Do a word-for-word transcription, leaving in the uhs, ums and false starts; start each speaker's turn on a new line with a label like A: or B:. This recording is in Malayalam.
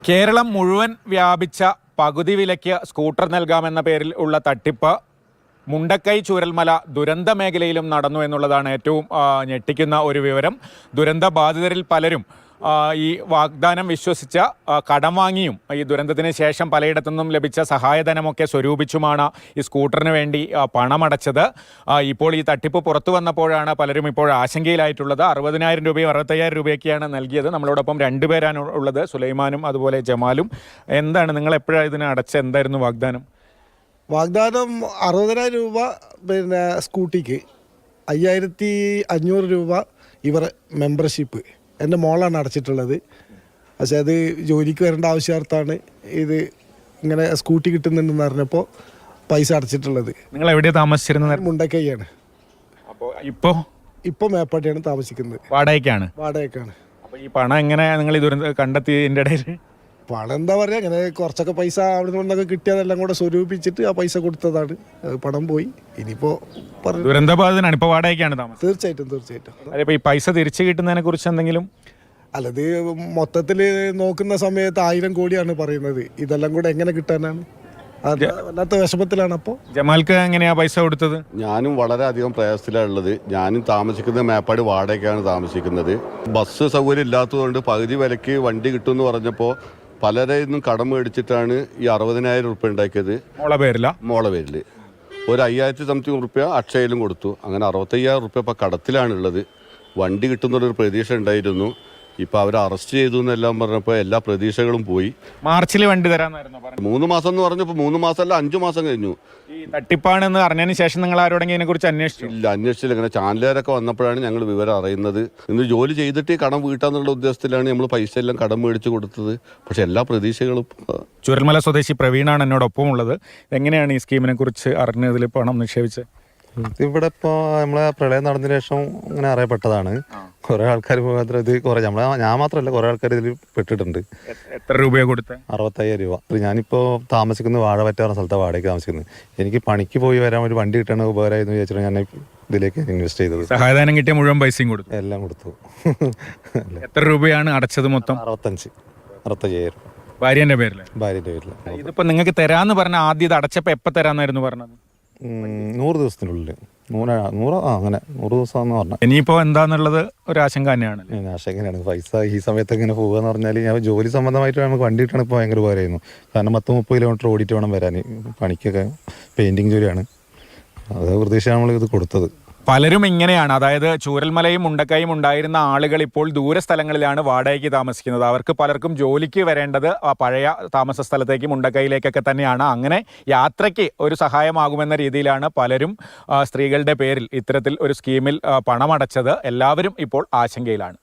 A: കേരളം മുഴുവൻ വ്യാപിച്ച പകുതി വിലയ്ക്ക് സ്കൂട്ടർ നൽകാമെന്ന പേരിൽ ഉള്ള തട്ടിപ്പ് മുണ്ടക്കൈ ചൂരൽമല ദുരന്ത മേഖലയിലും നടന്നു എന്നുള്ളതാണ് ഏറ്റവും ഞെട്ടിക്കുന്ന ഒരു വിവരം. ദുരന്ത ബാധിതരിൽ പലരും ഈ വാഗ്ദാനം വിശ്വസിച്ച കടം വാങ്ങിയും ഈ ദുരന്തത്തിന് ശേഷം പലയിടത്തുനിന്നും ലഭിച്ച സഹായധനമൊക്കെ സ്വരൂപിച്ചുമാണ് ഈ സ്കൂട്ടറിന് വേണ്ടി പണമടച്ചത്. ഇപ്പോൾ ഈ തട്ടിപ്പ് പുറത്തു വന്നപ്പോഴാണ് പലരും ഇപ്പോൾ ആശങ്കയിലായിട്ടുള്ളത്. അറുപതിനായിരം രൂപയും അറുപത്തയ്യായിരം രൂപയൊക്കെയാണ് നൽകിയത്. നമ്മളോടൊപ്പം രണ്ടുപേരാണ് ഉള്ളത്, സുലൈമാനും അതുപോലെ ജമാലും. എന്താണ് നിങ്ങൾ എപ്പോഴാണ് ഇതിന് അടച്ച എന്തായിരുന്നു വാഗ്ദാനം?
B: വാഗ്ദാനം അറുപതിനായിരം രൂപ പിന്നെ സ്കൂട്ടിക്ക്, അയ്യായിരത്തി അഞ്ഞൂറ് രൂപ ഇവർ മെമ്പർഷിപ്പ് എൻ്റെ മോളാണ് അടച്ചിട്ടുള്ളത്. പക്ഷേ അത് ജോലിക്ക് വരേണ്ട ആവശ്യാർത്ഥാണ് ഇത് ഇങ്ങനെ സ്കൂട്ടി കിട്ടുന്നുണ്ടെന്ന് അറിഞ്ഞപ്പോൾ പൈസ അടച്ചിട്ടുള്ളത്.
A: നിങ്ങൾ എവിടെയാണ് താമസിച്ചിരുന്നത്?
B: മുണ്ടക്കൈയാണ്.
A: അപ്പോൾ ഇപ്പോൾ
B: ഇപ്പോൾ മേപ്പാട്ടിയാണ് താമസിക്കുന്നത്.
A: വാടകയ്ക്കാണ്?
B: വാടകയ്ക്കാണ്.
A: അപ്പോൾ ഈ പണം എങ്ങനെ നിങ്ങൾ ഈ ദുരന്തം കണ്ടെത്തിയതിൻ്റെ ഇടയിൽ?
B: പണം എന്താ പറയുക, അങ്ങനെ കുറച്ചൊക്കെ പൈസ അവിടെ നിന്നൊക്കെ കിട്ടിയതെല്ലാം കൂടെ സ്വരൂപിച്ചിട്ട് ആ പൈസ കൊടുത്തതാണ്. പണം പോയി. ഇനിയിപ്പോൾ
A: ദുരന്തബാധിതനാണ്, ഇപ്പോൾ വാടകയ്ക്കാണ് താമസം?
B: തീർച്ചയായിട്ടും തീർച്ചയായിട്ടും.
A: അതിപ്പോൾ ഈ പൈസ തിരിച്ചു കിട്ടുന്നതിനെ കുറിച്ച് എന്തെങ്കിലും?
B: അല്ലത് മൊത്തത്തിൽ നോക്കുന്ന സമയത്ത് ആയിരം കോടിയാണ് പറയുന്നത്. ഇതെല്ലാം കൂടെ എങ്ങനെ കിട്ടാനാണ്? അത് വല്ലാത്ത വിഷമത്തിലാണ്. അപ്പോൾ
A: ജമാൽക്ക് എങ്ങനെയാ പൈസ കൊടുത്തത്?
C: ഞാനും വളരെ അധികം പ്രയാസത്തിലാണ് ഉള്ളത്. ഞാനും താമസിക്കുന്നത് മേപ്പാടി വാടകയ്ക്കാണ് താമസിക്കുന്നത്. ബസ് സൗകര്യം ഇല്ലാത്തതുകൊണ്ട് പകുതി വിലയ്ക്ക് വണ്ടി കിട്ടുമെന്ന് പറഞ്ഞപ്പോൾ പലരിൽ നിന്നും കടം മേടിച്ചിട്ടാണ് ഈ അറുപതിനായിരം റുപ്യ ഉണ്ടാക്കിയത്.
A: മോളെ പേരില്ല?
C: മോളെ പേരിൽ ഒരു അയ്യായിരത്തി സംതിങ് റുപ്യ അക്ഷയയിലും കൊടുത്തു. അങ്ങനെ അറുപത്തയ്യായിരം റുപ്യ ഇപ്പോൾ കടത്തിലാണുള്ളത്. വണ്ടി കിട്ടുന്നൊരു പ്രതീക്ഷ ഉണ്ടായിരുന്നു. ഇപ്പം അവർ അറസ്റ്റ് ചെയ്തു എന്നെല്ലാം പറഞ്ഞപ്പോൾ എല്ലാ പ്രതീക്ഷകളും പോയി.
A: മാർച്ചിൽ വണ്ടി തരാമെന്നായിരുന്നു പറഞ്ഞത്.
C: മൂന്ന് മാസം എന്ന് പറഞ്ഞപ്പോൾ മൂന്ന് മാസമല്ല അഞ്ചു മാസം കഴിഞ്ഞു.
A: ഈ തട്ടിപ്പാണെന്ന് അറിഞ്ഞതിന് ശേഷം നിങ്ങൾ ആരോടെങ്കിലും ഇതിനെ കുറിച്ച് അന്വേഷിച്ചു?
C: ഇല്ല, അന്വേഷിച്ചില്ല. ഇങ്ങനെ ചാനലുകാരൊക്കെ വന്നപ്പോഴാണ് ഞങ്ങൾ വിവരം അറിയുന്നത്. ഇന്ന് ജോലി ചെയ്തിട്ട് കടം വീട്ടാന്നുള്ള ഉദ്ദേശത്തിലാണ് നമ്മൾ പൈസ എല്ലാം കടം മേടിച്ച് കൊടുത്തത്. പക്ഷെ എല്ലാ പ്രതീക്ഷകളും.
A: ചൂരൽമല സ്വദേശി പ്രവീണാണ് എന്നോടൊപ്പം ഉള്ളത്. എങ്ങനെയാണ് ഈ സ്കീമിനെ കുറിച്ച് അറിഞ്ഞതിൽ പണം നിക്ഷേപിച്ചത്?
D: ഇവിടെ ഇപ്പോൾ നമ്മളെ പ്രളയം നടന്നതിന് ശേഷം ഇങ്ങനെ അറിയപ്പെട്ടതാണ്. കുറെ ആൾക്കാർ മാത്രം ഇത് കുറെ നമ്മളെ ഞാൻ മാത്രമല്ല കുറെ ആൾക്കാർ ഇതിൽ പെട്ടിട്ടുണ്ട്.
A: എത്ര രൂപയാണ് കൊടുത്തത്?
D: അറുപത്തയ്യായിരം രൂപ. ഞാനിപ്പോൾ താമസിക്കുന്നത് വാഴവറ്റ പറഞ്ഞ സ്ഥലത്ത് വാടകയ്ക്ക് താമസിക്കുന്നത്. എനിക്ക് പണിക്ക് പോയി വരാൻ ഒരു വണ്ടി കിട്ടണ ഉപകാരമായിരുന്നു വിചാരിച്ചിട്ട് ഞാൻ ഇതിലേക്ക് ഇൻവെസ്റ്റ് ചെയ്തത്.
A: സഹായധനം കിട്ടിയ മുഴുവൻ പൈസയും കൊടുത്തു?
D: എല്ലാം കൊടുത്തു.
A: എത്ര രൂപയാണ് അടച്ചത് മൊത്തം?
D: അറുപത്തഞ്ച് അറുപത്തയ്യായിരം.
A: ഭാര്യന്റെ പേരിൽ?
D: ഭാര്യന്റെ പേരിൽ.
A: ഇതിപ്പോ നിങ്ങൾക്ക് തരാന്ന് പറഞ്ഞ ആദ്യം ഇത് അടച്ചപ്പോ എപ്പോ തരാന്നായിരുന്നു പറഞ്ഞത്?
D: നൂറ് ദിവസത്തിനുള്ളിൽ. നൂറ് നൂറ് ആ അങ്ങനെ നൂറ് ദിവസം എന്ന് പറഞ്ഞാൽ
A: ഇനിയിപ്പോൾ എന്താന്നുള്ളത് ഒരു ആശങ്ക തന്നെയാണ്.
D: ആശങ്കയാണ്. പൈസ ഈ സമയത്ത് ഇങ്ങനെ പോകുക എന്ന് പറഞ്ഞാൽ ഞാൻ ജോലി സംബന്ധമായിട്ട് നമുക്ക് വണ്ടി കിട്ടണം ഇപ്പോൾ ഭയങ്കര ഉപകാരമായിരുന്നു. കാരണം പത്ത് മുപ്പത് കിലോമീറ്റർ ഓടിയിട്ട് വേണം വരാൻ. പണിക്കൊക്കെ പെയിൻറ്റിങ് ജോലിയാണ്. അത് പ്രതീക്ഷയാണ് നമ്മൾ ഇത് കൊടുത്തത്.
A: പലരും ഇങ്ങനെയാണ്, അതായത് ചൂരൽമലയും മുണ്ടക്കൈയും ഉണ്ടായിരുന്ന ആളുകൾ ഇപ്പോൾ ദൂര സ്ഥലങ്ങളിലാണ് വാടകയ്ക്ക് താമസിക്കുന്നത്. അവർക്ക് പലർക്കും ജോലിക്ക് വരേണ്ടത് ആ പഴയ താമസ സ്ഥലത്തേക്ക് മുണ്ടക്കൈയിലേക്കൊക്കെ തന്നെയാണ്. അങ്ങനെ യാത്രയ്ക്ക് ഒരു സഹായമാകുമെന്ന രീതിയിലാണ് പലരും സ്ത്രീകളുടെ പേരിൽ ഇത്തരത്തിൽ ഒരു സ്കീമിൽ പണമടച്ചത്. എല്ലാവരും ഇപ്പോൾ ആശങ്കയിലാണ്.